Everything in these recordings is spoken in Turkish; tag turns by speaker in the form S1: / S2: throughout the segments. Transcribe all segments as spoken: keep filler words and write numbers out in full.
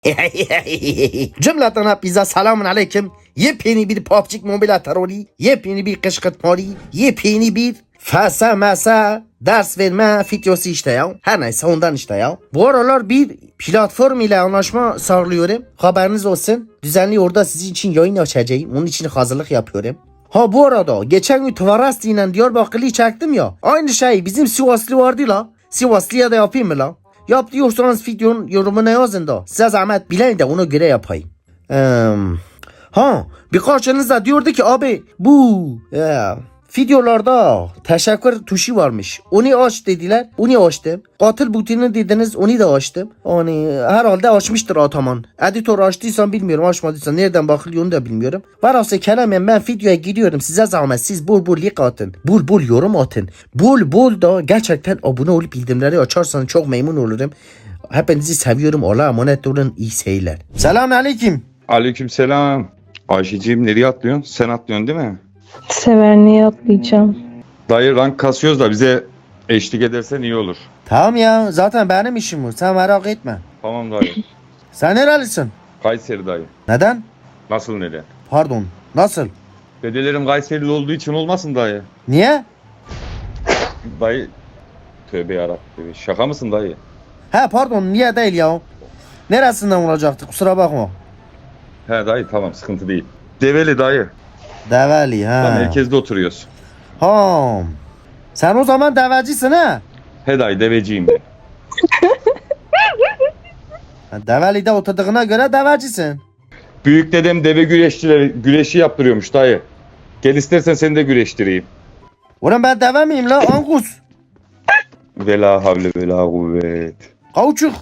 S1: Cümleten hepinize selamun aleyküm. Yepyeni bir P U B G Mobile terörü, yepyeni bir kışkırtmalı, yepyeni bir fasa masa ders verme videosu işte ya. Her neyse ondan işte ya. Bu aralar bir platform ile anlaşma sağlıyorum. Haberiniz olsun. Düzenli orada sizin için yayın açacağım. Onun için hazırlık yapıyorum. Ha bu arada geçen gün Tvarasti ile Diyarbakırlı'yı çektim ya. Aynı şey bizim Sivaslı vardı la. Sivaslı'ya da yapayım mı la? Yap diyorsanız videonun yorumuna yazın da. Size zahmet bilin de ona göre yapayım. Ee, ha birkaçınız da diyordu ki abi bu e, videolarda teşekkür tuşu varmış. Onu aç dediler. Onu açtım. Katil butonunu dediniz. Onu da açtım. Hani herhalde açmıştır Ataman. Editör açtıysan bilmiyorum. Açmadıysan nereden bakılıyor onu da bilmiyorum. Varsa kelamen ben videoya giriyorum. Size zahmet siz bol bol like atın. Bol bol yorum atın. Bol bol da gerçekten abone olup bildirimleri açarsanız çok memnun olurum. Hepinizi seviyorum. Allah'a emanet olun. İyi seyirler. Selamun aleyküm.
S2: Aleykümselam. Ayşeciğim nereye atlıyorsun? Sen atlıyorsun değil mi?
S3: Severne'ye atlayacağım.
S2: Dayı rank kasıyoruz da bize eşlik edersen iyi olur.
S1: Tamam ya zaten benim işim bu. Sen merak etme.
S2: Tamam dayı.
S1: Sen nerelisin?
S2: Kayseri dayı.
S1: Neden?
S2: Nasıl neden?
S1: Pardon. Nasıl?
S2: Dedelerim Kayserili olduğu için olmasın dayı.
S1: Niye?
S2: Dayı. Tövbe yarabbim. Şaka mısın dayı?
S1: He pardon niye değil ya? Neresinden olacaktı kusura bakma.
S2: He dayı tamam sıkıntı değil. Develi dayı.
S1: Develi
S2: Tam
S1: ha.
S2: merkezde oturuyoruz.
S1: Ha. Sen o zaman devecisin ha.
S2: He dayı deveciyim ben.
S1: Ha, Develi'de oturduğuna göre devecisin.
S2: Büyük dedem deve güreşçileri güreşi yaptırıyormuş dayı. Gel istersen seni de güreştireyim.
S1: Ulan ben deve miyim la Angus?
S2: Vela havle vela kuvvet.
S1: Kauçuk.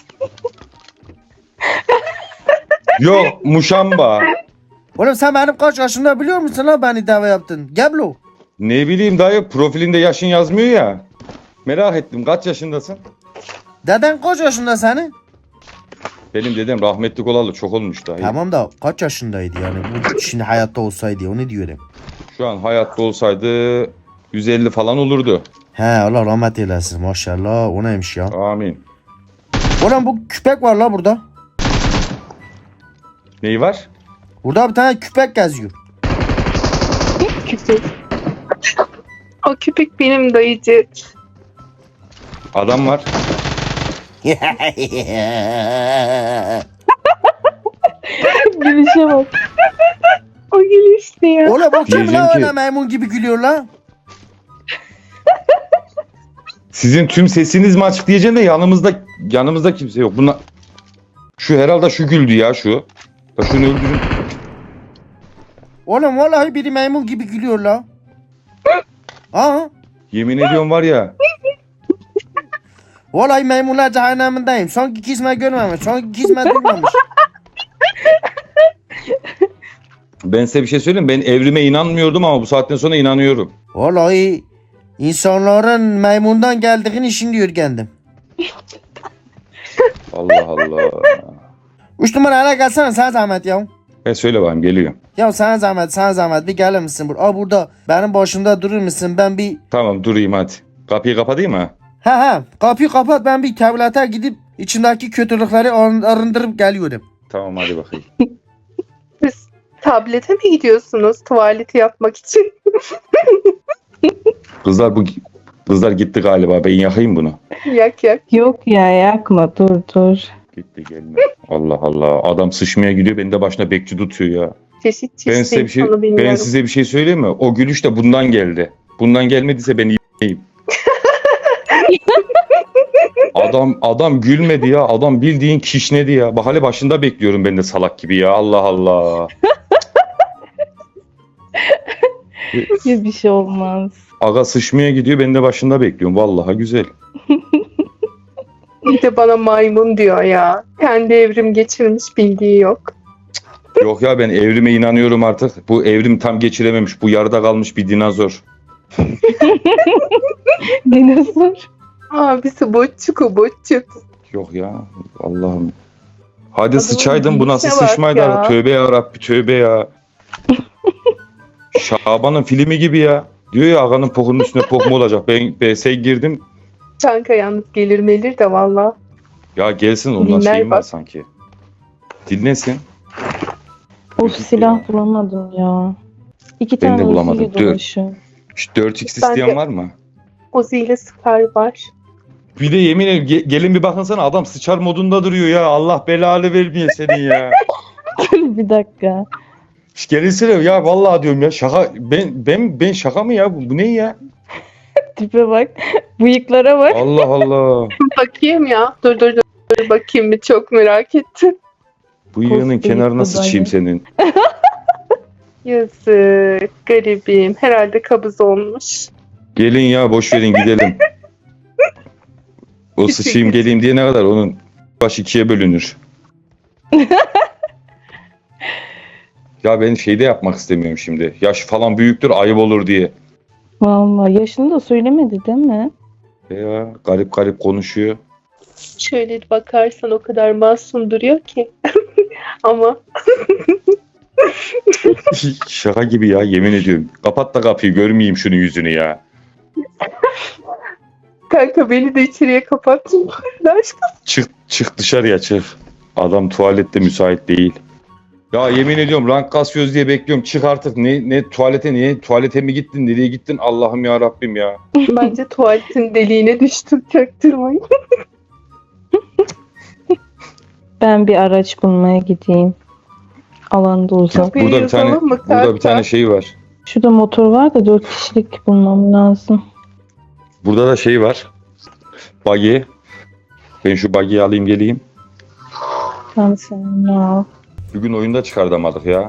S2: Yok muşamba.
S1: Oğlum sen benim kaç yaşında biliyor musun la beni deve yaptın? Geblo.
S2: Ne bileyim dayı profilinde yaşın yazmıyor ya. Merak ettim kaç yaşındasın?
S1: Deden kaç yaşında senin?
S2: Benim dedem rahmetlik olalı çok olmuş dayı.
S1: Tamam da kaç yaşındaydı yani bu şimdi hayatta olsaydı onu diyorum.
S2: Şu an hayatta olsaydı yüz elli falan olurdu.
S1: He Allah rahmet eylesin maşallah o neymiş ya.
S2: Amin.
S1: Ulan bu köpek var la burada.
S2: Neyi var?
S1: Burada bir tane köpek geziyor.
S3: Köpek. O köpek benim dayıcı.
S2: Adam var.
S3: Gülüşe bak. O gülüş ne ya?
S1: Oğlum o kim
S2: Diyeceğim
S1: la
S2: ki-
S1: öyle maymun gibi gülüyor la?
S2: Sizin tüm sesiniz mi açık diyeceğim de yanımızda yanımızda kimse yok. Buna şu herhalde şu güldü ya şu. Ya şunu öldürün.
S1: Oğlum vallahi biri maymun gibi gülüyor la. Aa,
S2: Yemin ediyorum var ya.
S1: vallahi maymunlar cehennemindeyim. Sanki kisme görmemiş, sanki kisme duymamış.
S2: Ben size bir şey söyleyeyim. Ben evrime inanmıyordum ama bu saatten sonra inanıyorum.
S1: Vallahi insanların maymundan geldiğini şimdi öğrendim.
S2: Allah Allah.
S1: Üç numaraya gelsene sana zahmet ya.
S2: Ben söyle bakayım geliyorum.
S1: Ya sana zahmet, sana zahmet bir gelir misin? Bur Aa, burada benim başımda durur musun? Ben bir...
S2: Tamam durayım hadi. Kapıyı kapatayım mı?
S1: Ha ha kapıyı kapat ben bir tuvalete gidip içindeki kötülükleri arın- arındırıp geliyorum.
S2: Tamam hadi bakayım.
S3: Siz tablete mi gidiyorsunuz tuvaleti yapmak için?
S2: Kızlar bu kızlar gitti galiba. Ben yakayım bunu.
S3: Yak yak.
S4: Yok ya yakma dur dur.
S2: Gitti gelme. Allah Allah. Adam sıçmaya gidiyor. Beni de başına bekçi tutuyor ya.
S3: Çeşit çeşit
S2: Ben size bir şey
S3: insanı bilmiyorum.
S2: ben size bir şey söyleyeyim mi? O gülüş de bundan geldi. Bundan gelmediyse ben yiyeyim. Adam adam gülmedi ya. Adam bildiğin kişnedi ya. Bak hali başında bekliyorum ben de salak gibi ya. Allah Allah.
S4: Ya bir şey olmaz.
S2: Aga sıçmaya gidiyor. Ben de başında bekliyorum. Vallahi güzel.
S3: Bir de bana maymun diyor ya. Kendi evrim geçirmiş bildiği yok.
S2: Yok ya ben evrime inanıyorum artık. Bu evrim tam geçirememiş. Bu yarıda kalmış bir dinozor.
S4: Dinozor.
S3: Abisi boççuk o boççuk.
S2: Yok ya. Allah'ım. Hadi
S3: Adamın
S2: sıçaydın bu nasıl
S3: gidişe bak
S2: sıçmaydı?
S3: ya.
S2: Tövbe ya Rabbi tövbe ya. Şaban'ın filmi gibi ya. Diyor ya ağanın pokunun üstüne pok mu olacak? Ben B S'ye girdim.
S3: Kanka yalnız gelir melir de valla.
S2: Ya gelsin ondan
S3: Dinler
S2: şeyim var
S3: bak.
S2: sanki. Dinlesin.
S4: Of silah bulamadım ya. İki
S2: Ben de
S4: tane
S2: bulamadım.
S4: Uzi'yle
S2: Dur.
S4: dolaşıyorum.
S2: Şu dört x
S3: Ben de-
S2: isteyen var mı?
S3: Uzi ile Scar var.
S2: Bir de yemin ederim ge- gelin bir bakınsana adam sıçar modunda duruyor ya. Allah belanı vermiyor senin ya.
S4: Bir dakika.
S2: Şş, Gelinsene ya vallahi diyorum ya şaka ben ben ben şaka mı ya bu, bu ne ya?
S4: Tipe bak. Bıyıklara bak.
S2: Allah Allah.
S3: Bakayım ya. Dur dur dur. dur bakayım bir çok merak ettim.
S2: Bu yığının
S4: Post
S2: kenarına
S4: bıyıklı
S2: sıçayım
S4: dayı.
S2: senin.
S3: Yazık. Garibim. Herhalde kabız olmuş.
S2: Gelin ya boş verin gidelim. O sıçayım geleyim diye ne kadar onun baş ikiye bölünür. Ya ben şeyde yapmak istemiyorum şimdi. Yaş falan büyüktür ayıp olur diye.
S4: Vallahi yaşını da söylemedi değil mi?
S2: Ya garip garip konuşuyor.
S3: Şöyle bakarsan o kadar masum duruyor ki. Ama
S2: Şaka gibi ya yemin ediyorum. Kapat da kapıyı görmeyeyim şunun yüzünü ya.
S3: kanka beni de içeriye kapattın. Aşkım.
S2: Çık çık dışarıya çık. Adam tuvalette müsait değil. Ya yemin ediyorum rank kasıyoruz diye bekliyorum. Çık artık. Ne ne tuvalete niye? Tuvalete mi gittin? Nereye gittin? Allah'ım ya Rabbim ya.
S3: Bence tuvaletin deliğine düştüm. Çaktırmayın.
S4: Ben bir araç bulmaya gideyim. Alanda uzak.
S3: Kapıyı
S2: Burada bir tane
S3: yazalım mı
S2: burada bir
S3: kanka?
S2: tane şey var.
S4: Şurada motor var da dört kişilik bulmam lazım.
S2: Burada da şey var. Buggy. Ben şu buggy'yi alayım geleyim.
S4: Ben seninle al.
S2: Bugün oyunda çıkartamadık ya.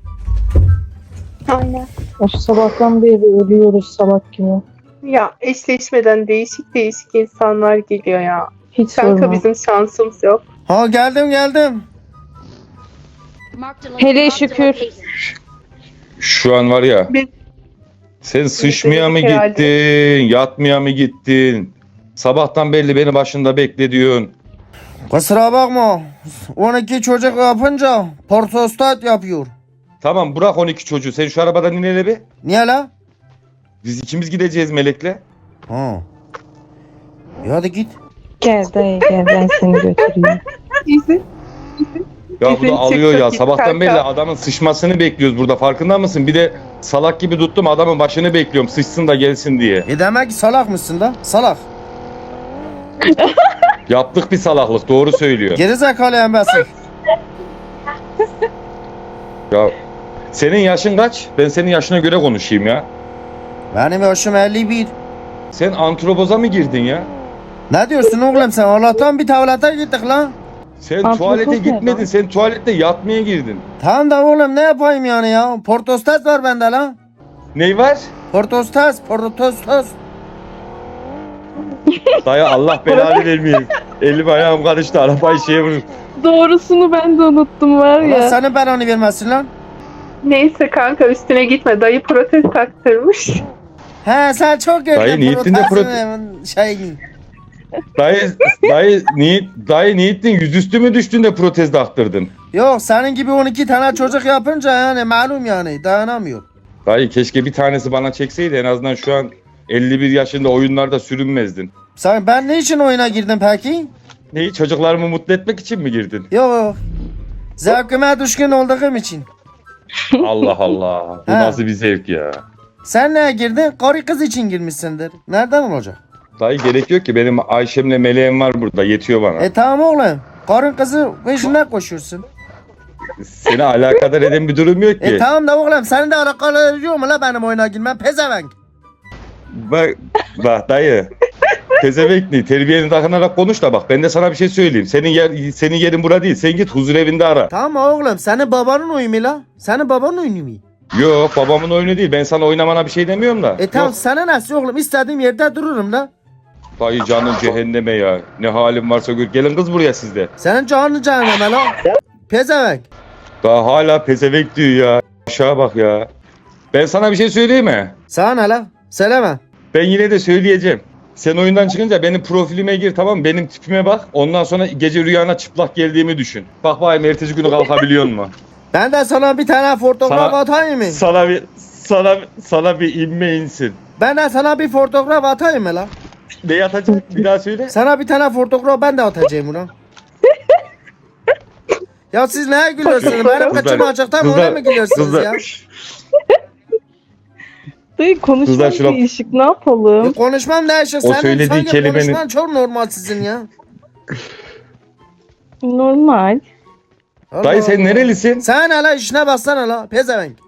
S3: Aynen.
S4: Of sabahtan beri ölüyoruz salak gibi.
S3: Ya eşleşmeden değişik değişik insanlar geliyor ya.
S4: Hiç
S3: Kanka
S4: sorma.
S3: bizim şansımız yok.
S1: Ha geldim geldim.
S4: Hele şükür.
S2: Şu an var ya.
S3: Biz-
S2: Sen sıçmaya mı
S3: herhalde.
S2: gittin? Yatmaya mı gittin? Sabahtan belli beni başında bekle diyorsun.
S1: Kusura bakma. on iki çocuk yapınca portostat yapıyor.
S2: Tamam bırak on iki çocuğu. Sen şu arabadan in hele bir.
S1: Niye la?
S2: Biz ikimiz gideceğiz Melek'le.
S1: Ha. E hadi git.
S4: Gel dayı gel ben seni götüreyim.
S3: İzin.
S2: Ya bu
S3: Bizim
S2: da alıyor ya.
S3: çıktık git
S2: Sabahtan
S3: kanka.
S2: belli adamın sıçmasını bekliyoruz burada. Farkında mısın? Bir de salak gibi tuttum adamın başını bekliyorum. Sıçsın da gelsin diye.
S1: E demek ki salak mısın da? Salak.
S2: Yaptık bir salaklık. Doğru söylüyor.
S1: Geri zekalı embesil.
S2: Ya senin yaşın kaç? Ben senin yaşına göre konuşayım ya.
S1: Benim yaşım elli bir.
S2: Sen antropoza mı girdin ya?
S1: Ne diyorsun oğlum sen? Allah'tan bir tuvalete gittik lan.
S2: Sen
S4: Antropoz
S2: tuvalete
S4: ne
S2: gitmedin.
S4: lan?
S2: Sen tuvalette yatmaya girdin.
S1: Tamam da oğlum ne yapayım yani ya? Portostat var bende lan.
S2: Ney var?
S1: Portostas, portostas.
S2: Dayı Allah belanı vermiyor. Elim ayağım karıştı. Arabayı şeye vurur.
S4: Doğrusunu ben de unuttum var
S1: Allah
S4: ya.
S1: senin belanı vermesin lan.
S3: Neyse kanka üstüne gitme. Dayı protez taktırmış.
S1: He sen çok gördün.
S2: Dayı niyetin de
S1: protestin şeyini.
S2: Dayı, dayı, ni, dayı niyetin yüzüstü mü düştün de protez taktırdın?
S1: Yok senin gibi on iki tane çocuk yapınca yani malum yani dayanamıyor.
S2: Dayı keşke bir tanesi bana çekseydi en azından şu an elli bir yaşında oyunlarda sürünmezdin.
S1: Sen ben ne için oyuna girdim peki?
S2: Neyi çocuklarımı mutlu etmek için mi girdin?
S1: Yok. Zevkime düşkün olduğum için.
S2: Allah Allah. Bu
S1: Ha.
S2: nasıl bir zevk ya.
S1: Sen neye girdin? Karı kız için girmişsindir. Nereden olacak?
S2: Dayı gerek yok ki benim Ayşem'le Meleğim var burada yetiyor bana.
S1: E tamam oğlum. Karın kızı peşinden koşuyorsun.
S2: Seni alakadar eden bir durum yok ki.
S1: E tamam da oğlum senin de alakalı ediyor mu la benim oyuna girmem? Pezevenk.
S2: Bak, bak dayı. Tezevekli terbiyeni takınarak konuş da bak ben de sana bir şey söyleyeyim. Senin yer senin yerin bura değil. Sen git huzur evinde ara.
S1: Tamam oğlum senin babanın oyunu mu la? Senin babanın oyunu mu?
S2: Yok babamın oyunu değil. Ben sana oynamana bir şey demiyorum da.
S1: E tamam
S2: Yok.
S1: sana nasıl oğlum? İstediğim yerde dururum la.
S2: Dayı canın cehenneme ya. Ne halin varsa gör. Gelin kız buraya sizde.
S1: Senin canın cehenneme la. Pezevenk.
S2: Daha hala pezevenk diyor ya. Aşağı bak ya. Ben sana bir şey söyleyeyim mi?
S1: Sana ne la? Söyleme.
S2: Ben yine de söyleyeceğim. Sen oyundan çıkınca benim profilime gir tamam mı? Benim tipime bak. Ondan sonra gece rüyana çıplak geldiğimi düşün. Bak bakayım ertesi günü kalkabiliyor musun?
S1: Ben de sana bir tane fotoğraf
S2: Sana-
S1: atayım mı?
S2: Sana bir sana sana bir inme insin.
S1: Ben de sana bir fotoğraf atayım mı la?
S2: Ne atacak? Bir daha söyle.
S1: Sana bir tane fotoğraf ben de atacağım ulan. Ya siz neye gülüyorsunuz?
S3: Kızlar-
S1: Benim kıçım
S2: Kızlar-
S1: açıkta mı
S2: kızlar-
S1: oraya mı gülüyorsunuz ya?
S2: Kızlar,
S4: Dayı konuşmak
S2: Kızlar şuna-
S4: değişik ne
S1: Ya
S4: yapalım?
S1: konuşmam değişik.
S2: O
S1: Senin
S2: söylediği
S1: sanki
S2: kelimenin-
S1: konuşman çok normal sizin ya.
S4: Normal.
S1: Allah
S2: dayı sen
S1: Allah.
S2: nerelisin?
S1: Sen hala işine baksana hala. Pezevenk.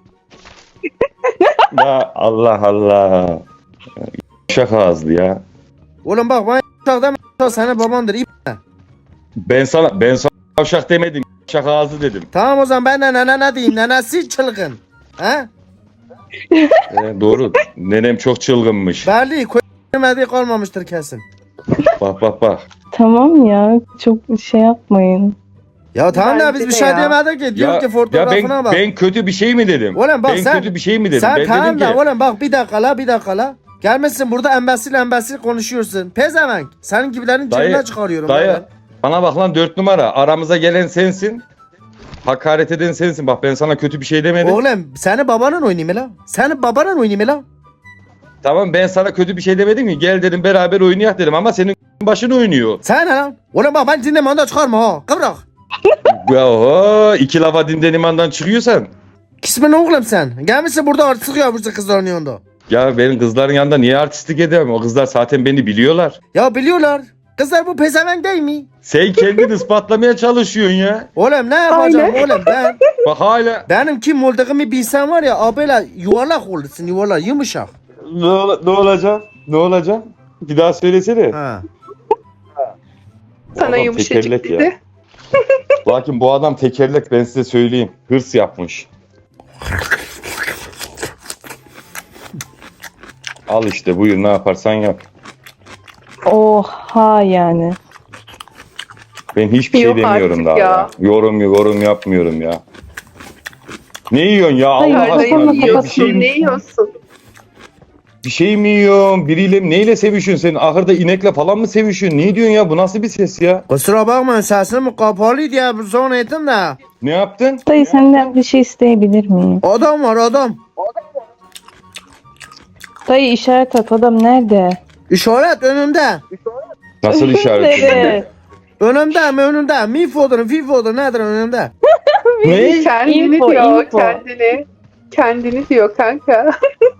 S2: Ya Allah Allah. Şaka ağızlı ya.
S1: Oğlum bak ben uçakta m***a senin babandır. İp.
S2: Ben sana ben sana yavşak demedim. Şaka ağzı dedim.
S1: Tamam o zaman ben de nene ne diyeyim? Nenesi çılgın. He?
S2: Ee, doğru. Nenem çok çılgınmış.
S1: Belli. Koymadığı kalmamıştır kesin.
S2: Bak bak bak.
S4: Tamam ya çok şey yapmayın.
S1: Ya tamam da
S3: Bence
S1: biz bir
S3: de
S1: şey
S3: ya.
S1: demedik ki. Diyor
S2: Ya,
S1: ki
S2: ya
S1: fotoğrafına
S2: ben,
S1: bak.
S2: ben kötü bir şey mi dedim?
S1: Oğlum bak
S2: ben
S1: sen-
S2: kötü bir şey mi dedim?
S1: Sen
S2: ben
S1: tamam
S2: dedim
S1: da
S2: ki
S1: oğlum bak bir dakika la bir dakika la. Gelmişsin burada embesil embesil konuşuyorsun. Pezevenk. Senin gibilerin
S2: Dayı,
S1: cebine çıkarıyorum.
S2: dayı
S1: ben.
S2: bana bak lan dört numara. Aramıza gelen sensin. Hakaret eden sensin. Bak ben sana kötü bir şey demedim.
S1: Oğlum seni babanın oynayayım la. Seni babanın oynayayım la.
S2: Tamam ben sana kötü bir şey demedim ki. Gel dedim beraber oynayak dedim ama senin başın oynuyor.
S1: Sen ne lan? Oğlum bak ben dinleme onu da çıkarma ha. Kıvrak.
S2: Ya oho, iki lafa dinden imandan çıkıyorsan.
S1: Kismin oğlum sen. Gelmişsin burada artık yapmışsın kızların yanında.
S2: Ya benim kızların yanında niye artistlik edemem? O kızlar zaten beni biliyorlar.
S1: Ya biliyorlar. Kızlar bu pezevenk değil mi?
S2: Sen kendini ispatlamaya çalışıyorsun ya.
S1: Oğlum ne yapacağım oğlum ben?
S2: Bak hala
S1: Benim kim olduğumu bilsen var ya abiyle yuvarlak olursun yuvarlak yumuşak.
S2: ne, ola- ne olacak? Ne olacak? Bir daha söylesene.
S1: Ha.
S3: Sana
S2: Adam
S3: yumuşacık
S2: tekerlek ya.
S3: dedi.
S2: Lakin bu adam tekerlek ben size söyleyeyim. Hırs yapmış. Al işte buyur ne yaparsan yap.
S4: Oha yani.
S2: Ben hiçbir şey
S3: Yok
S2: demiyorum
S3: artık
S2: daha
S3: ya.
S2: ya. Yorum yorum yapmıyorum ya. Ne yiyorsun ya
S4: Hayır,
S2: Allah
S4: Yukarıda
S3: Yukarıda
S2: aşkına?
S4: yiyeyim,
S2: Bir
S3: yiyorsun,
S2: şey,
S3: ne yiyorsun?
S2: bir şey mi yiyorsun? Biriyle neyle sevişiyorsun sen? Ahırda inekle falan mı sevişiyorsun? Ne diyorsun ya? Bu nasıl bir ses ya?
S1: Kusura bakma sesim kapalı diye son ettim de.
S2: Ne yaptın?
S4: Dayı senden bir şey isteyebilir miyim?
S1: Adam var adam.
S4: Dayı işaret at adam nerede?
S1: İşaret önümde.
S2: Nasıl işaret?
S4: Evet.
S1: Önümde mi önümde? Mi fodur, fi fodur nedir önümde?
S2: Ne?
S3: Kendini
S4: Info,
S3: diyor,
S4: info.
S3: kendini. Kendini diyor kanka.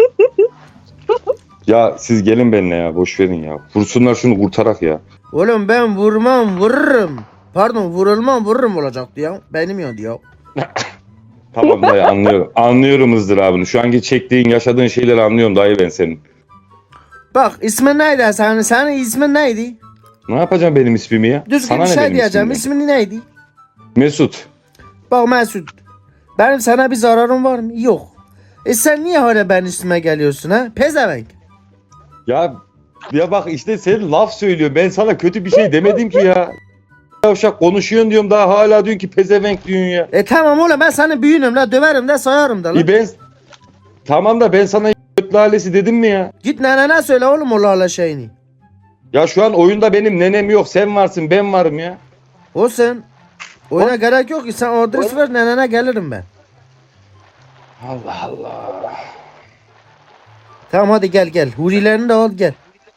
S2: Ya siz gelin benimle ya. Boş verin ya. Vursunlar şunu kurtarak ya.
S1: Oğlum ben vurmam vururum. Pardon vurulmam vururum olacaktı ya. Benim yandı ya.
S2: Tamam dayı anlıyorum. Anlıyorum ızdırabını. Şu anki çektiğin, yaşadığın şeyleri anlıyorum dayı ben senin.
S1: Bak ismin neydi senin? Senin ismin neydi?
S2: Ne yapacağım benim ismimi ya?
S1: Düzgün
S2: Sana
S1: bir
S2: ne
S1: şey
S2: benim
S1: diyeceğim.
S2: ismimden?
S1: İsmin neydi?
S2: Mesut.
S1: Bak Mesut. Benim sana bir zararım var mı? Yok. E sen niye hala benim üstüme geliyorsun ha? Pezevenk.
S2: Ya ya bak işte sen laf söylüyor. Ben sana kötü bir şey demedim ki ya. Yavşak konuşuyorsun diyorum daha hala diyorsun ki pezevenk diyorsun ya.
S1: E tamam oğlum ben seni büyüğünüm la döverim de sayarım da la.
S2: E ben tamam da ben sana göt lalesi dedim mi ya?
S1: Git nenene söyle oğlum o lala şeyini.
S2: Ya şu an oyunda benim nenem yok. Sen varsın ben varım ya.
S1: O sen. Oyuna gerek yok ki sen adres ver nenene gelirim ben.
S2: Allah Allah.
S1: Tamam hadi gel gel. Hurilerini de al gel.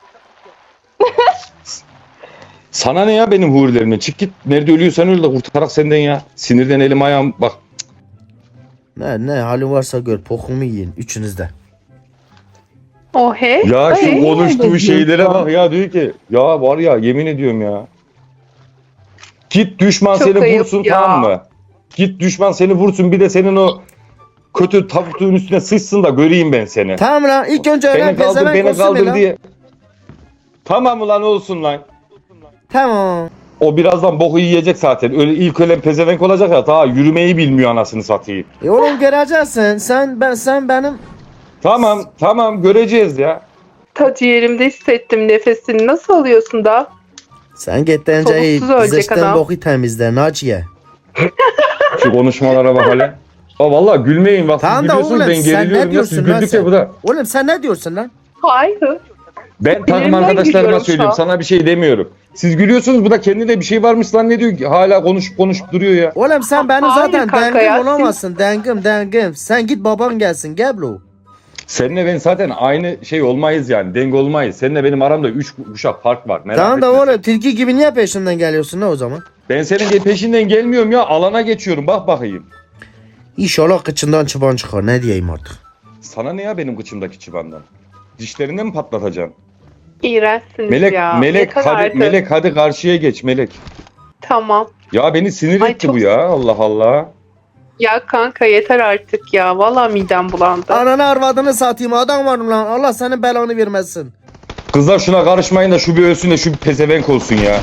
S2: Sana ne ya benim hurilerimden? Çık git. Nerede ölüyorsan öl de kurtarak senden ya. Sinirden elim ayağım bak.
S1: Ne ne halin varsa gör pokumu yiyin üçünüz de.
S3: O he.
S2: Ya şu
S4: Ay,
S2: konuştuğu
S4: ne
S2: şeylere
S4: diyorsun?
S2: bak ya diyor ki ya var ya yemin ediyorum ya. Git düşman
S3: Çok
S2: seni
S3: ayıp
S2: vursun
S3: ya.
S2: tamam mı? Git düşman seni vursun bir de senin o kötü tavukluğun üstüne sıçsın da göreyim ben seni.
S1: Tamam lan ilk önce öğren
S2: Beni kaldır
S1: pezevenk
S2: beni
S1: olsun
S2: kaldır
S1: lan.
S2: diye. Tamam ulan olsun lan.
S1: Tamam.
S2: O birazdan boku yiyecek zaten. Öyle ilk ölen pezevenk olacak ya ta yürümeyi bilmiyor anasını satayım.
S1: E oğlum göreceksin. Sen ben sen benim.
S2: Tamam tamam göreceğiz ya.
S3: Ta ciğerimde hissettim nefesini. Nasıl alıyorsun da?
S1: Sen git önce
S3: Soluksuz ölecek
S1: zıçtın
S3: adam.
S1: boku temizle Naciye.
S2: Şu konuşmalara bak hele. Ha vallahi gülmeyin bak siz
S1: Tamam da
S2: gülüyorsunuz
S1: oğlum,
S2: ben
S1: sen
S2: geriliyorum
S1: ne
S2: ya siz
S1: diyorsun lan
S2: güldükçe
S1: sen?
S2: bu da.
S1: Oğlum sen ne diyorsun lan?
S3: Hayır.
S2: Ben takım
S3: Bileğimden
S2: arkadaşlarıma
S3: gülüyorum
S2: söylüyorum
S3: şu an.
S2: sana bir şey demiyorum. Siz gülüyorsunuz bu da kendine bir şey varmış lan ne diyor ki hala konuşup konuşup duruyor ya.
S1: Oğlum sen benim
S3: Hayır
S1: zaten
S3: kanka
S1: dengim
S3: ya, siz-
S1: olamazsın. Dengim dengim. Sen git baban gelsin gel bro.
S2: Seninle ben zaten aynı şey olmayız yani denge olmayız. Seninle benim aramda üç kuşak fark var. Merak
S1: Tamam da
S2: etme sen.
S1: oğlum tilki gibi niye peşimden geliyorsun ne o zaman?
S2: Ben senin de peşinden gelmiyorum ya. Alana geçiyorum. Bak bakayım.
S1: İnşallah kıçından çıban çıkar. Ne diyeyim artık.
S2: Sana ne ya benim kıçımdaki çıbandan? Dişlerini mi patlatacaksın?
S3: İğrençsiniz
S2: Melek,
S3: ya.
S2: Melek
S3: Yeter
S2: hadi
S3: artık.
S2: Melek hadi karşıya geç Melek.
S3: Tamam.
S2: Ya beni sinir
S3: Ay,
S2: etti
S3: çok-
S2: bu ya. Allah Allah.
S3: Ya kanka yeter artık ya. Vallahi midem bulandı.
S1: Ananı arvadını satayım adam var mı lan? Allah senin belanı vermesin.
S2: Kızlar şuna karışmayın da şu bir ölsün de şu bir pezevenk olsun ya.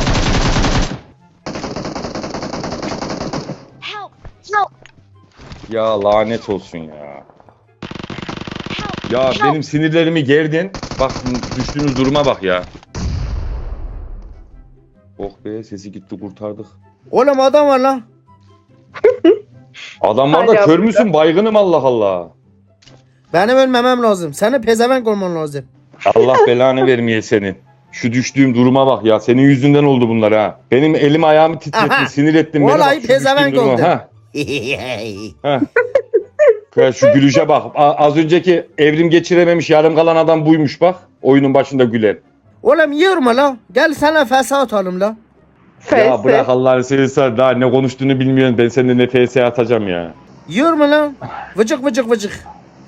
S5: Help! Help!
S2: Ya lanet olsun ya. Ya
S5: Help!
S2: benim sinirlerimi gerdin. Bak düştüğünüz duruma bak ya. Oh be sesi gitti kurtardık.
S1: Oğlum adam var lan.
S2: Adamlar da
S3: Hala
S2: kör
S3: burada.
S2: müsün baygınım Allah Allah.
S1: Benim ölmemem lazım. Seni pezevenk olman lazım.
S2: Allah belanı vermeye senin. Şu düştüğüm duruma bak ya. Senin yüzünden oldu bunlar ha. Benim elim ayağımı titrettin,
S1: Aha.
S2: sinir ettin beni.
S1: Vallahi
S2: Bak şu
S1: pezevenk
S2: düştüğüm duruma.
S1: oldu.
S2: Ha. Ha. Ya şu gülüşe bak. A- az önceki evrim geçirememiş yarım kalan adam buymuş bak. Oyunun başında gülen.
S1: Oğlum yorma lan. Gel sana fesa atalım lan.
S2: Ya
S3: Fesi.
S2: bırak Allah'ını seversen daha ne konuştuğunu bilmiyorsun. Ben seninle ne F S atacağım ya.
S1: Yorma lan. Vıcık vıcık vıcık.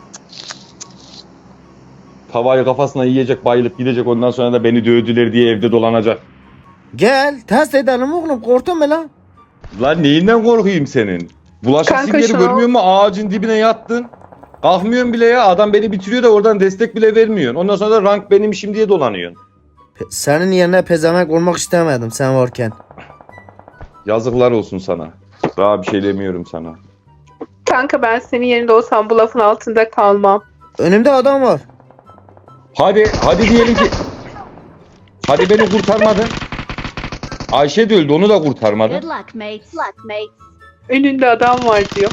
S2: Tavayı kafasına yiyecek bayılıp gidecek ondan sonra da beni dövdüler diye evde dolanacak.
S1: Gel test edelim oğlum. Korktun mu lan?
S2: Lan neyinden korkayım senin? Bulaşık
S3: Kanka
S2: simgeri
S3: şunu-
S2: görmüyor musun? Ağacın dibine yattın. Kalkmıyorsun bile ya. Adam beni bitiriyor da oradan destek bile vermiyorsun. Ondan sonra da rank benim işim diye dolanıyorsun.
S1: Pe- Senin yerine pezevenk olmak istemedim sen varken.
S2: Yazıklar olsun sana. Daha bir şey demiyorum sana.
S3: Kanka ben senin yerinde olsam bu lafın altında kalmam.
S1: Önümde adam var.
S2: Hadi, hadi diyelim ki... Hadi beni kurtarmadın. Ayşe de öldü, onu da kurtarmadın.
S5: Good luck, mates. Luck, mates.
S3: Önünde adam var diyor.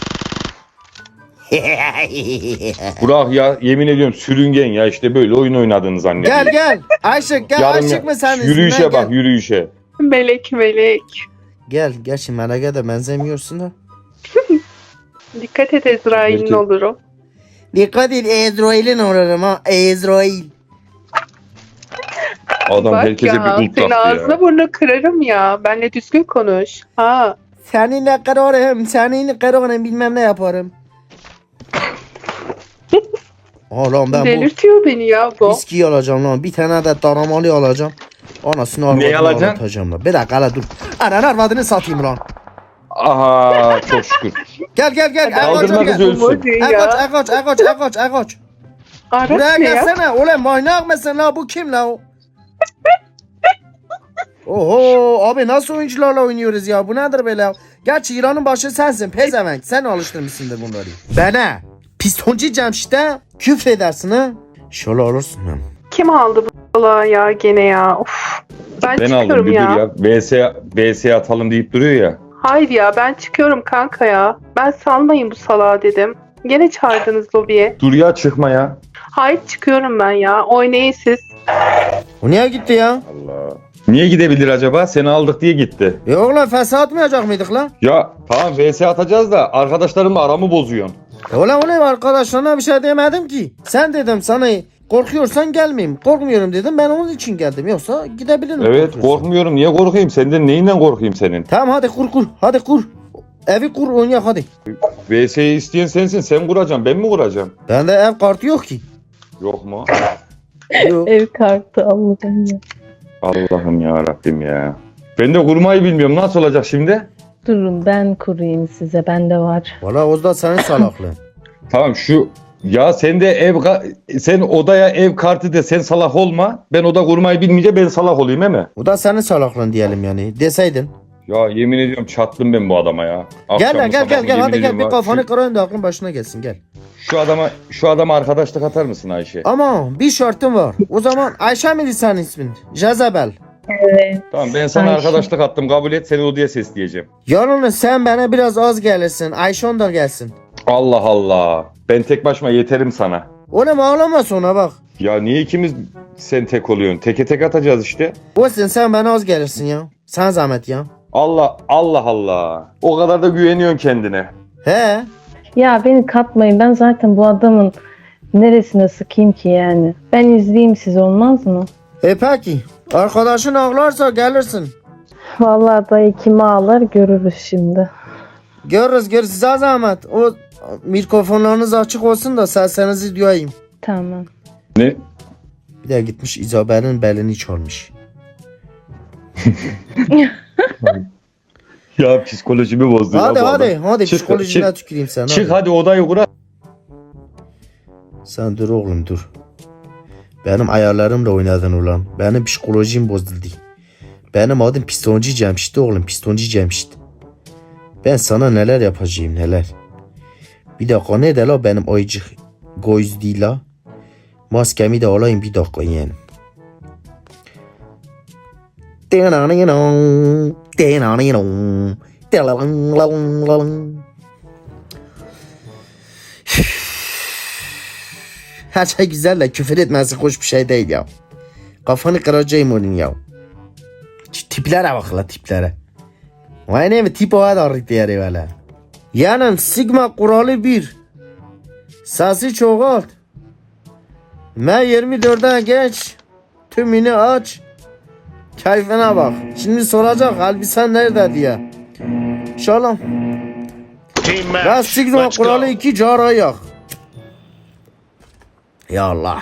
S2: Burak ya, yemin ediyorum sürüngen ya, işte böyle oyun oynadığını zannediyorum.
S1: Gel gel. Ayşık gel.
S2: Yarın
S1: Ayşık mı sen?
S2: Yürüyüşe
S1: İsminden
S2: bak,
S1: gel.
S2: yürüyüşe.
S3: Melek melek.
S1: Gel. Gerçi Melek'e de benzemiyorsun da.
S3: Dikkat et Ezrail'in
S2: Belki-
S3: olurum.
S1: Dikkat et Ezrail'in olurum ha. Ezrail.
S2: Adam
S3: Bak
S2: herkese
S3: ya,
S2: bir ult
S3: senin
S2: taktı
S3: ağzına
S2: ya.
S3: burnuna kırarım ya. Benle düzgün konuş. Ha.
S1: Seninle kırarım. Seninle kırarım bilmem ne yaparım. Oğlum ben bu
S3: Delirtiyor beni ya bu.
S1: viskiyi alacağım lan. Bir tane de daramalı alacağım. Anasını arvadını
S2: alacaksın?
S1: anlatacağım lan. Bir dakika hala dur. Anan arvadını satayım lan.
S2: Aha, çok şükür.
S1: Gel gel gel.
S2: Kaldırma
S1: Ekoç
S2: kız
S1: gel.
S2: ölsün.
S3: Bu değil
S1: Ekoç
S3: ya.
S1: ekoç ekoç ekoç ekoç.
S3: Aras
S1: Buraya
S3: ne ya?
S1: gelsene. Ulan manyak mısın la? Bu kim la? Oho abi nasıl oyuncularla oynuyoruz ya? Bu nedir böyle? Gerçi İran'ın başı sensin. Pezevenk. Sen alıştırmışsındır bunları. Bana pistoncu Cemşit'e küfredersin ha. Şöyle olursun ha.
S3: Kim aldı bu salağı ya gene ya? Of. Ben,
S2: Ben
S3: çıkıyorum
S2: aldım bir
S3: ya.
S2: dur ya. V S, V S atalım deyip duruyor ya.
S3: Hayır ya ben çıkıyorum kanka ya. Ben salmayın bu salağı dedim. Gene çağırdınız lobiye.
S2: Dur ya, çıkma ya.
S3: Hayır çıkıyorum ben ya. Oynayın siz.
S1: O niye gitti ya?
S2: Allah. Niye gidebilir acaba? Seni aldık diye gitti.
S1: E oğlum fesat atmayacak mıydık lan?
S2: Ya tamam V S atacağız da arkadaşlarımla aramı bozuyorsun.
S1: E ulan ulan arkadaşlarına bir şey demedim ki. Sen dedim sana korkuyorsan gelmeyeyim. Korkmuyorum dedim ben onun için geldim. Yoksa gidebilirim.
S2: Evet,
S1: korkuyorsan.
S2: korkmuyorum. Niye korkayım? Senden neyinden korkayım senin?
S1: Tamam hadi kur kur. Hadi kur. Evi kur oynayak hadi.
S2: V S'yi isteyen sensin. Sen kuracaksın. Ben mi kuracağım?
S1: Bende ev kartı yok ki.
S2: Yok mu?
S1: Yok.
S4: Ev kartı Allah'ım ya.
S2: Allah'ım ya Rabbim ya. Ben de kurmayı bilmiyorum. Nasıl olacak şimdi?
S4: Durun ben kurayım size. Bende var.
S1: Valla o da senin salaklığın.
S2: Tamam şu ya sen de ev ka- sen odaya ev kartı de sen salak olma. Ben oda kurmayı bilmeyince ben salak olayım he mi?
S1: O da senin salaklığın diyelim yani. Deseydin.
S2: Ya yemin ediyorum çattım ben bu adama ya.
S1: Gel
S2: Akşamı
S1: lan gel
S2: sabahı
S1: gel gel
S2: yemin
S1: hadi gel
S2: ediyorum
S1: bir
S2: ha.
S1: kafanı
S2: Şu,
S1: kırayım da aklın başına gelsin gel.
S2: şu adama şu adama arkadaşlık atar mısın Ayşe?
S1: Ama bir şartım var. O zaman Ayşe miydi senin ismin? Jezebel.
S4: Evet.
S2: Tamam ben sana
S4: Ayşe.
S2: arkadaşlık attım, kabul et, seni odaya sesleyeceğim.
S1: Yalnız sen bana biraz az gelirsin. Ayşe ondan gelsin.
S2: Allah Allah. Ben tek başıma yeterim sana.
S1: Oğlum ağlama sonra bak.
S2: Ya niye ikimiz sen tek oluyorsun? Teke tek atacağız işte.
S1: Olsun sen bana az gelirsin ya. Sen zahmet ya.
S2: Allah Allah Allah. O kadar da güveniyorsun kendine.
S1: He.
S4: Ya beni katmayın. Ben zaten bu adamın neresine sıkayım ki yani. Ben izleyeyim siz olmaz mı?
S1: E peki. Arkadaşın ağlarsa gelirsin.
S4: Vallahi dayı kimi ağlar görürüz şimdi.
S1: Görürüz görürüz size zahmet. O mikrofonlarınız açık olsun da seslerinizi duyayım.
S4: Tamam.
S2: Ne?
S1: Bir de gitmiş İzabel'in belini çalmış.
S2: Ya psikolojimi bozdu ya
S1: Hadi
S2: bu
S1: hadi
S2: adam.
S1: hadi
S2: Çık,
S1: psikolojine
S2: çık.
S1: tüküreyim sen.
S2: Çık
S1: hadi.
S2: hadi odayı kur.
S1: Sen dur oğlum dur. Benim ayarlarımla oynadın ulan. Benim psikolojim bozuldu. Benim adım Pistoncu Cemşit oğlum. Pistoncu Cemşit. Ben sana neler yapacağım neler. Bir dakika ne de la benim ayıcık göz değil la. Maskemi de alayım bir dakika yeğenim. Her şey güzel de küfür etmesi hoş bir şey değil ya. Kafanı kıracağım onun ya. Şu tiplere bak la tiplere. Vay ne mi tip o kadar diğeri böyle. Yani Sigma kuralı bir. Sesi çoğalt. M yirmi dörde geç. Tümünü aç. Keyfine bak. Şimdi soracak elbisen nerede diye. İnşallah.
S6: Team
S1: Ve
S6: match.
S1: Sigma
S6: Let's go.
S1: kuralı iki cara yak. Ya Allah.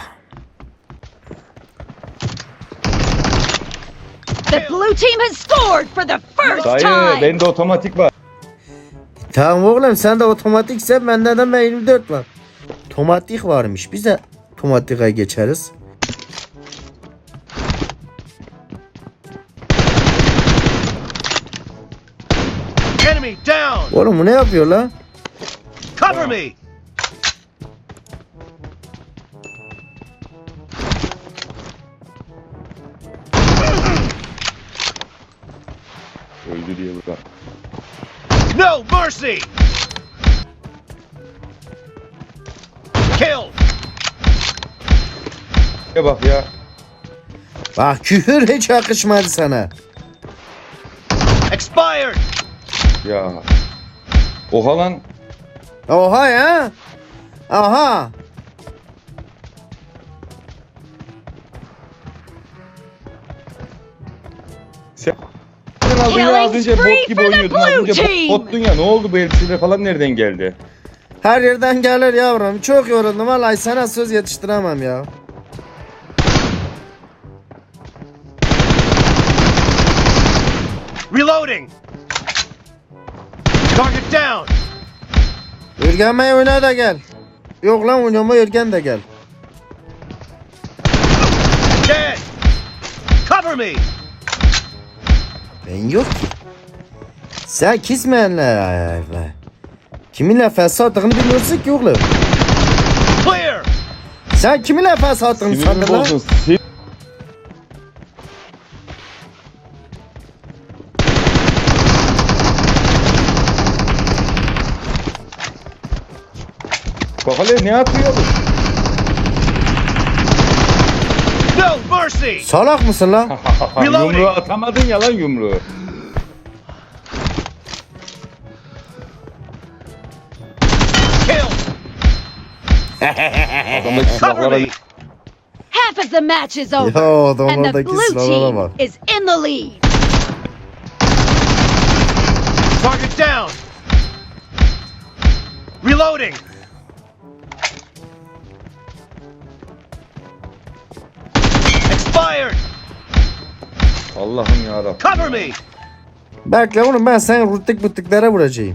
S5: The blue team has scored for the first
S2: Dayı
S5: time.
S2: bende otomatik var.
S1: Tamam oğlum sen de otomatikse bende de M yirmi dört var. Otomatik varmış. Biz de otomatikaya geçeriz.
S6: Enemy down.
S1: Oğlum bu ne yapıyor la?
S6: Cover me.
S2: Öldü diye burada.
S6: No mercy. Kill.
S2: Ya bak ya.
S1: Bak küfür hiç yakışmadı sana.
S6: Expired.
S2: Ya. Oha lan.
S1: Oha ya. Aha.
S2: Sen Sen aldın ya az önce
S5: Killing
S2: bot gibi
S5: spree for the
S2: oynuyordun. Az
S5: blue
S2: önce
S5: team.
S2: bot, bottun ya. Ne oldu bu elbiseler falan nereden geldi?
S1: Her yerden gelir yavrum. Çok yoruldum. Vallahi sana söz yetiştiremem ya.
S6: Reloading. Target down.
S1: Ürgenmeyi oyna da gel. Yok lan oynama Ürgen de gel.
S6: Dead. Cover me.
S1: Ben yok ki. Sen kismenle. Kiminle fesatlığını bilmiyorsun ki oğlum.
S6: Clear.
S1: Sen kiminle fesatlığını
S2: Sinirimi
S1: sandın lan?
S2: bozdun. Sin- Bak hele ne yapıyor bu?
S6: No mercy.
S1: Salak mısın lan?
S6: Reloading.
S2: Yumruğu atamadın ya lan yumruğu.
S6: Kill.
S2: Adamdaki
S6: Cover
S2: silahlara
S6: me.
S5: Half of the match is
S1: Ya
S5: over. And the
S1: adamlardaki
S5: blue
S1: silahlara bak.
S5: team is in the lead.
S6: Target down. Reloading. Expired.
S2: Allah'ım yarabbim.
S6: Cover me.
S1: Bekle oğlum ben seni ruttik buttiklere vuracağım.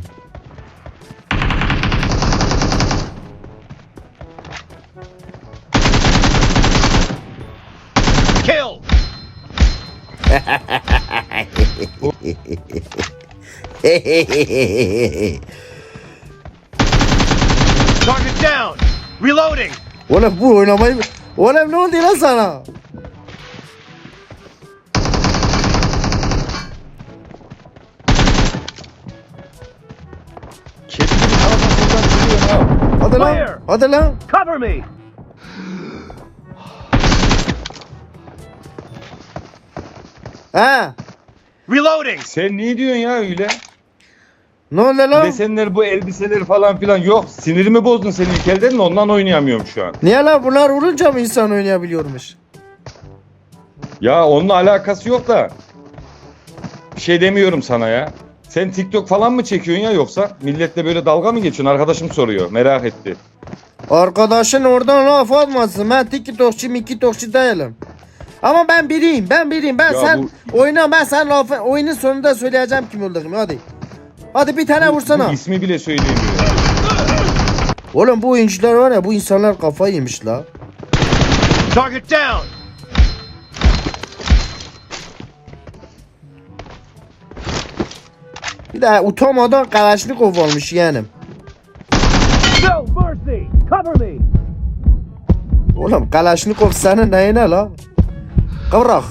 S6: Kill. Target down. Reloading.
S1: Oğlum bu oynamayı... Oğlum ne oldu lan sana?
S2: Kedi gibi sağdan soldan geliyor ha.
S1: Hadi lan.
S6: Clear.
S1: Hadi lan.
S6: Cover me.
S1: Ha?
S6: Reloading.
S2: Sen ne diyorsun ya öyle?
S1: Ne oldu lan?
S2: Desenler bu elbiseler falan filan yok. Sinirimi bozdun senin ilk elden de ondan oynayamıyorum şu an.
S1: Niye lan bunlar vurunca mı insan oynayabiliyormuş?
S2: Ya onunla alakası yok da. Bir şey demiyorum sana ya. Sen TikTok falan mı çekiyorsun ya yoksa? Milletle böyle dalga mı geçiyorsun? Arkadaşım soruyor. Merak etti.
S1: Arkadaşın oradan laf atmasın. Ben TikTokçu mikitokçu değilim. Ama ben biriyim. Ben biriyim. Ben
S2: Ya
S1: sen oyna ben sen lafı oyunun sonunda söyleyeceğim kim olduğumu. Hadi. Hadi bir tane vursana.
S2: Bu ismi bile söyleyemiyor.
S1: Oğlum bu oyuncular var ya bu insanlar kafayı yemiş la.
S6: Target down.
S1: Bir de utanmadan Kalaşnikov olmuş yeğenim.
S6: No mercy. Cover me.
S1: Oğlum Kalaşnikov senin neyine la? Kıvrak.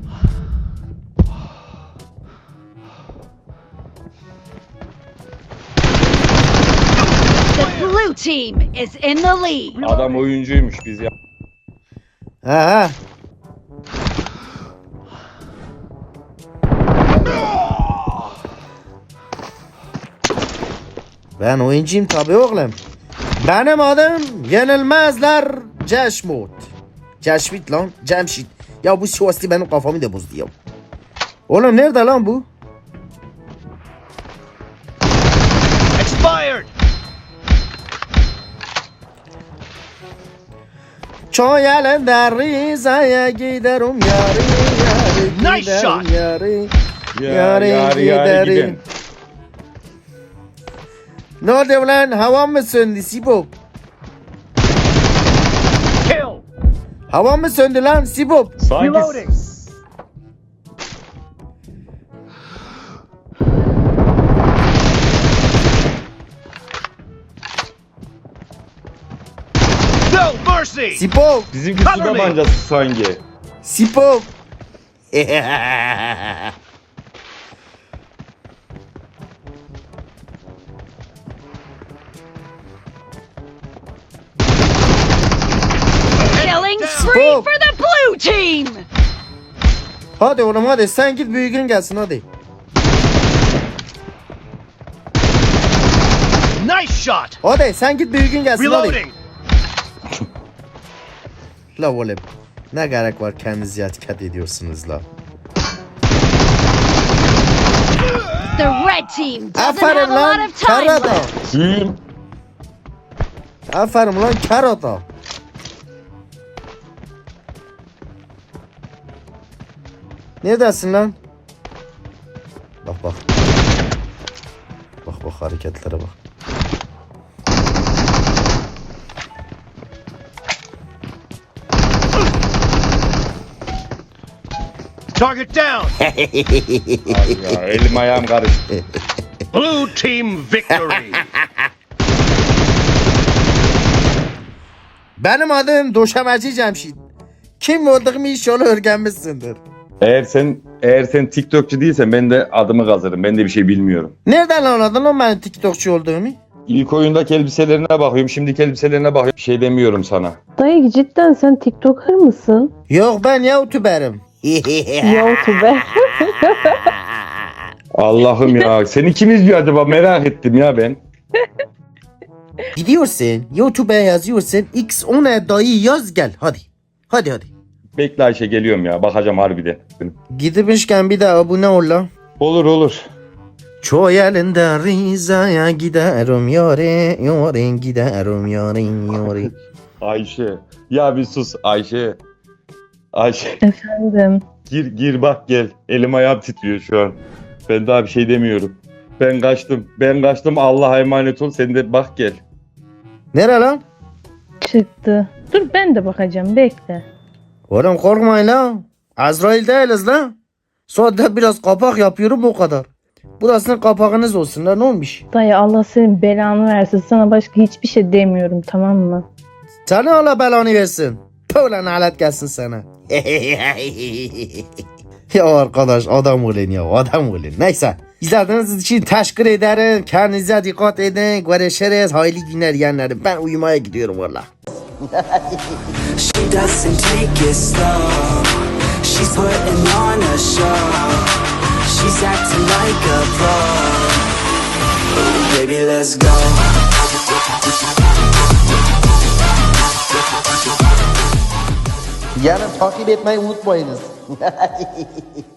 S5: The blue team is in the lead.
S2: Adam oyuncuymuş biz ya.
S1: He he. Ben oyuncuyum tabi oğlum. Benim adım Yenilmezler Ceşmut. Ceşmit lan Cemşit. Ya bu Sivaslı benim kafamı da bozdu ya. Oğlum nerede lan bu?
S6: Expired.
S1: Çoy elinde Riza'ya giderim yari yari
S6: Nice
S1: giderim
S6: shot.
S1: yari.
S2: Ya
S1: Yari
S2: yari yari
S1: giderim.
S2: giden.
S1: Ne oldu lan hava mı söndü Sibop?
S6: Kill.
S1: Hava mı söndü lan Sibop?
S2: Sanki
S6: Reloading. No mercy.
S1: Sibop.
S2: bizimki su
S6: Cover me.
S2: tabancası sanki.
S1: Sibop.
S5: Killing spree
S1: Stop.
S5: for the blue team.
S1: Hadi oğlum hadi sen git büyüğün gelsin hadi.
S6: Nice shot.
S1: Hadi sen git büyüğün gelsin hadi.
S6: Reloading.
S1: La oğlum ne gerek var kendinizi etiket ediyorsunuz la.
S5: The red team doesn't
S1: Aferin
S5: have a lot
S1: lan
S5: of time
S1: karata.
S5: left.
S2: Kim?
S1: Aferin lan karata. Neredesin lan? Bak bak. Bak bak hareketlere bak.
S6: Target down.
S2: Ay ya, elim ayağım karıştı.
S6: Blue team victory.
S1: Benim adım Döşemeci Cemşit. Kim olduğumu inşallah öğrenmişsindir.
S2: Eğer sen eğer sen TikTokçu değilsen ben de adımı kazırım. Ben de bir şey bilmiyorum.
S1: Nereden anladın lan benim TikTokçu olduğumu?
S2: İlk oyundaki elbiselerine bakıyorum. Şimdiki elbiselerine bakıyorum. Bir şey demiyorum sana.
S4: Dayı cidden sen TikToker mısın?
S1: Yok ben YouTuber'ım.
S4: YouTuber.
S2: Allah'ım ya. Seni kim izliyor acaba? Merak ettim ya ben.
S1: Gidiyorsun YouTube'a yazıyorsun X ona dayı yaz gel hadi. Hadi hadi.
S2: Bekle Ayşe geliyorum ya. Bakacağım harbiden.
S1: Gidmişken bir de abone ol lan.
S2: Olur olur.
S1: Çoy elinde Riza'ya giderim yare yare giderim yare yare.
S2: Ayşe. Ya bir sus Ayşe. Ayşe.
S4: Efendim.
S2: Gir gir bak gel. Elim ayağım titriyor şu an. Ben daha bir şey demiyorum. Ben kaçtım. Ben kaçtım. Allah'a emanet ol. Sen de bak gel.
S1: Nere lan?
S4: Çıktı. Dur ben de bakacağım bekle.
S1: Oğlum korkmayın lan. Azrail değiliz lan. Sadece biraz kapak yapıyorum o kadar. Burasının kapağınız olsun lan ne olmuş?
S4: Dayı Allah senin belanı versin. Sana başka hiçbir şey demiyorum tamam mı?
S1: Sana Allah belanı versin. Tüh lan alet gelsin sana. Ya arkadaş adam olun ya adam olun. Neyse. İzlediğiniz için teşekkür ederim. Kendinize dikkat edin. Görüşürüz. Hayırlı günler yeğenlerim. Ben uyumaya gidiyorum valla.
S7: She doesn't take it slow. She's putting on a show. She's acting like a pro. Ooh, baby, let's go.
S1: Yarın takip etmeyi unutmayınız.